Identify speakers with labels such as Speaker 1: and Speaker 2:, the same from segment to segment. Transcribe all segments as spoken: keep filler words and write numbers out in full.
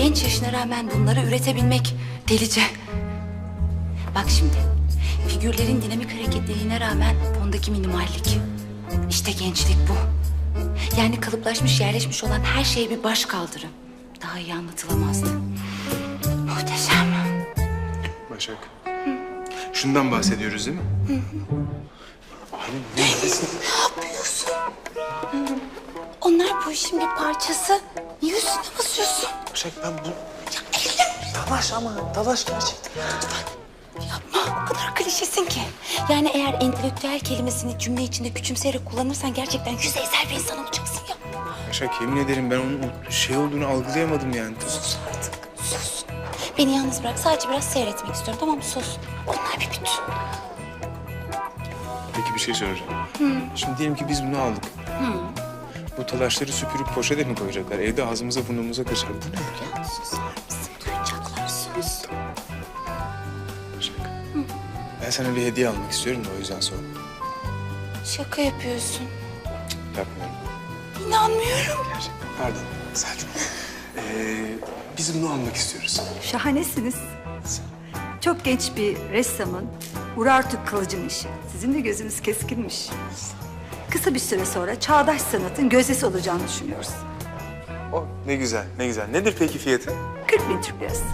Speaker 1: genç yaşına rağmen bunları üretebilmek delice. Bak şimdi, figürlerin dinamik hareketliliğine rağmen fondaki minimallik. İşte gençlik bu. Yani kalıplaşmış, yerleşmiş olan her şeye bir baş kaldırı. Daha iyi anlatılamazdı. Muhteşem.
Speaker 2: Başak. Hı. Şundan bahsediyoruz değil mi? Hı hı. Abi neredesin?
Speaker 1: Ne yapıyorsun? Onlar bu işin bir parçası. Niye üstüne basıyorsun?
Speaker 2: Başak ben bu...
Speaker 1: Ya elim.
Speaker 2: Dalaş ama, dalaş gerçekten.
Speaker 1: Lütfen yapma. O kadar klişesin ki. Yani eğer entelektüel kelimesini cümle içinde küçümseyerek kullanırsan gerçekten yüzeysel bir insan olacaksın ya.
Speaker 2: Başak yemin ederim ben onun o şey olduğunu algılayamadım yani.
Speaker 1: Sus artık, sus. Beni yalnız bırak. Sadece biraz seyretmek istiyorum, tamam mı? Sus. Onlar bir bütün.
Speaker 2: Peki bir şey soracağım. Hı. Şimdi diyelim ki biz bunu aldık. Hı. Bu talaşları süpürüp poşete mi koyacaklar? Evde ağzımıza burnumuza kaçar. Bu ne?
Speaker 1: Ya susar mısın? Duyacaklar, sus.
Speaker 2: Başak. Hı. Ben sana bir hediye almak istiyorum da o yüzden sordum.
Speaker 1: Şaka yapıyorsun.
Speaker 2: Yapmıyorum.
Speaker 1: İnanmıyorum.
Speaker 2: Gerçekten. Pardon Selçuk. Ee, biz bunu almak istiyoruz.
Speaker 3: Şahanesiniz. Çok genç bir ressamın Urartu Kılıç'ın işi. Sizin de gözünüz keskinmiş. Kısa bir süre sonra çağdaş sanatın gözdesi olacağını düşünüyoruz.
Speaker 2: O ne güzel, ne güzel. Nedir peki fiyatı?
Speaker 3: kırk bin Türk lirası.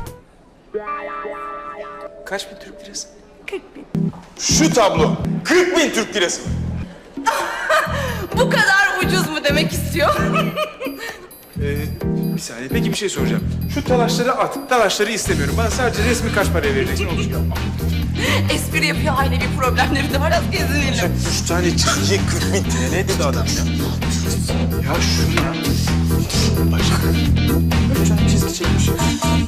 Speaker 2: Kaç bin Türk lirası?
Speaker 3: kırk bin.
Speaker 2: Şu tablo kırk bin Türk lirası.
Speaker 1: Bu kadar ucuz mu demek istiyor?
Speaker 2: Ee, bir saniye. Peki bir şey soracağım. Şu talaşları at. Talaşları istemiyorum. Bana sadece resmi kaç paraya vereceksin? Olur mu?
Speaker 1: Espri yapıyor, ailevi problemleri de var. Az gezinelim.
Speaker 2: Üç tane çizgiye kırk bin T L dedi adam ya. Ya şunu ya. Başak. Üç tane çizgi çekmiş ya.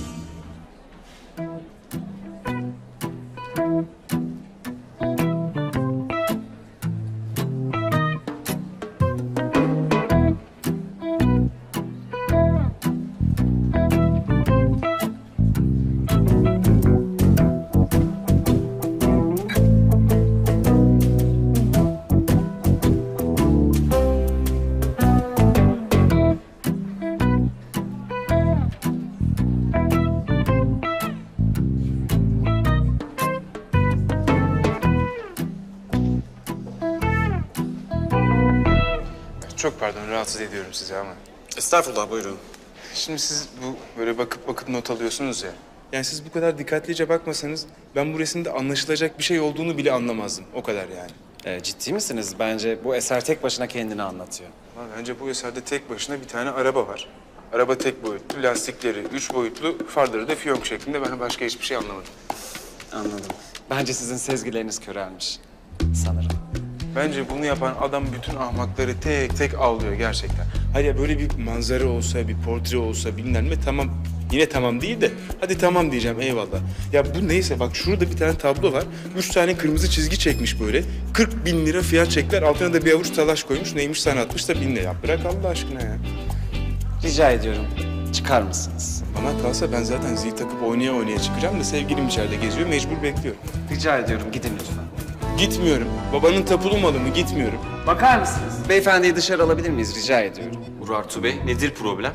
Speaker 2: Çok pardon, rahatsız ediyorum sizi ama.
Speaker 4: Estağfurullah, buyurun.
Speaker 2: Şimdi siz bu böyle bakıp bakıp not alıyorsunuz ya. Yani siz bu kadar dikkatlice bakmasanız ben bu resimde anlaşılacak bir şey olduğunu bile anlamazdım. O kadar yani.
Speaker 4: Ee, ciddi misiniz? Bence bu eser tek başına kendini anlatıyor.
Speaker 2: Ama bence bu eserde tek başına bir tane araba var. Araba tek boyutlu, lastikleri üç boyutlu, farları da fiyonk şeklinde. Ben başka hiçbir şey anlamadım.
Speaker 4: Anladım. Bence sizin sezgileriniz körelmiş. Sanırım.
Speaker 2: Bence bunu yapan adam bütün ahmakları tek tek avlıyor gerçekten. Hayır ya böyle bir manzara olsa, bir portre olsa bilmem ne tamam. Yine tamam değil de hadi tamam diyeceğim eyvallah. Ya bu neyse bak şurada bir tane tablo var. Üç tane kırmızı çizgi çekmiş böyle. kırk bin lira fiyat çekler. Altına da bir avuç talaş koymuş. Neymiş sanatmış da bin lira. Ya bırak Allah aşkına ya.
Speaker 4: Rica ediyorum. Çıkar mısınız?
Speaker 2: Bana kalsa ben zaten zil takıp oynaya oynaya çıkacağım da sevgilim içeride geziyor. Mecbur bekliyorum.
Speaker 4: Rica ediyorum. Gidin lütfen.
Speaker 2: Gitmiyorum. Babanın tapulu malı mı? Gitmiyorum.
Speaker 4: Bakar mısınız? Beyefendiyi dışarı alabilir miyiz? Rica ediyorum.
Speaker 5: Urartu Bey, nedir problem?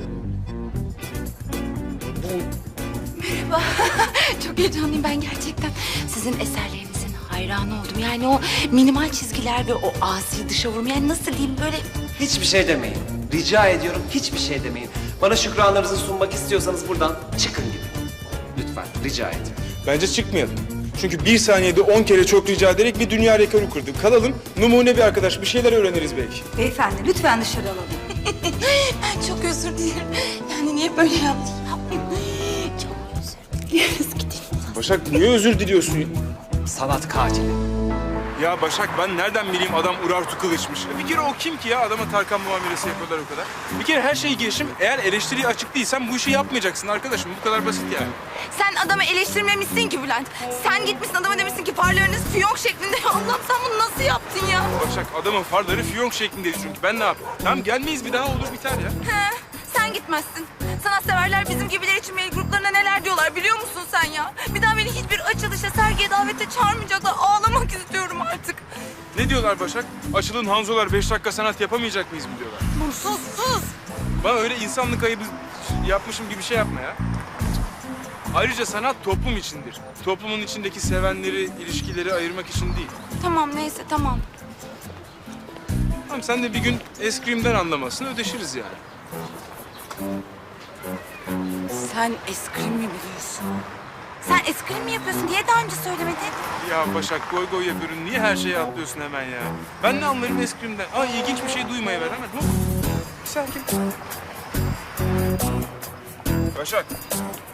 Speaker 1: Merhaba. Çok heyecanlıyım ben gerçekten. Sizin eserlerinizin hayranı oldum. Yani o minimal çizgiler ve o asi dışa vurma. Yani nasıl diyeyim böyle...
Speaker 4: Hiçbir şey demeyin. Rica ediyorum. Hiçbir şey demeyin. Bana şükranlarınızı sunmak istiyorsanız buradan çıkın gidin. Lütfen. Rica ediyorum.
Speaker 2: Bence çıkmayalım. Çünkü bir saniyede on kere çok rica ederek bir dünya rekoru kırdık. Kalalım, numune bir arkadaş. Bir şeyler öğreniriz belki.
Speaker 3: Beyefendi lütfen dışarı alalım.
Speaker 1: Ben çok özür dilerim. Yani niye böyle yaptın? Çok özür dileriz. Gidelim.
Speaker 2: Başak niye özür diliyorsun?
Speaker 4: Sanat katili.
Speaker 2: Ya Başak ben nereden bileyim adam Urartu Kılıç'mış. Bir kere o kim ki ya adama Tarkan muamelesi yapıyorlar o kadar. Bir kere her şeyi geçim. Eğer eleştiriye açık değilsen bu işi yapmayacaksın arkadaşım. Bu kadar basit yani.
Speaker 1: Sen adamı eleştirmemişsin ki Bülent. Sen gitmişsin adama demişsin ki farlarınız fiyonk şeklinde. Allah'ım sen bunu nasıl yaptın ya?
Speaker 2: Başak adamın farları fiyonk şeklindeydi çünkü. Ben ne yapayım? Tamam gelmeyiz bir daha olur biter ya.
Speaker 1: He, sen gitmezsin. Sanatseverler bizim gibiler için mail gruplarına neler diyorlar biliyor musun sen ya? Bir daha beni hiçbir açılışa, sergiye, davete çağırmayacaklar. Ağlamak istiyorum artık.
Speaker 2: Ne diyorlar Başak? Açılın Hanzolar beş dakika sanat yapamayacak mıyız mı diyorlar?
Speaker 1: Sus sus.
Speaker 2: Bana öyle insanlık ayıbı yapmışım gibi şey yapma ya. Ayrıca sanat toplum içindir. Toplumun içindeki sevenleri, ilişkileri ayırmak için değil.
Speaker 1: Tamam neyse tamam.
Speaker 2: Tamam sen de bir gün eskrimden anlamazsın, ödeşiriz yani.
Speaker 1: Sen eskrim mi biliyorsun? Sen eskrim mi yapıyorsun diye daha önce söylemedin.
Speaker 2: Ya Başak goy goy yapıyorum. Niye her şeye atlıyorsun hemen ya? Ben ne anlarım eskrimden? Aa ilginç bir şey duymaya ver hemen. Hop. Bir sakin. Başak.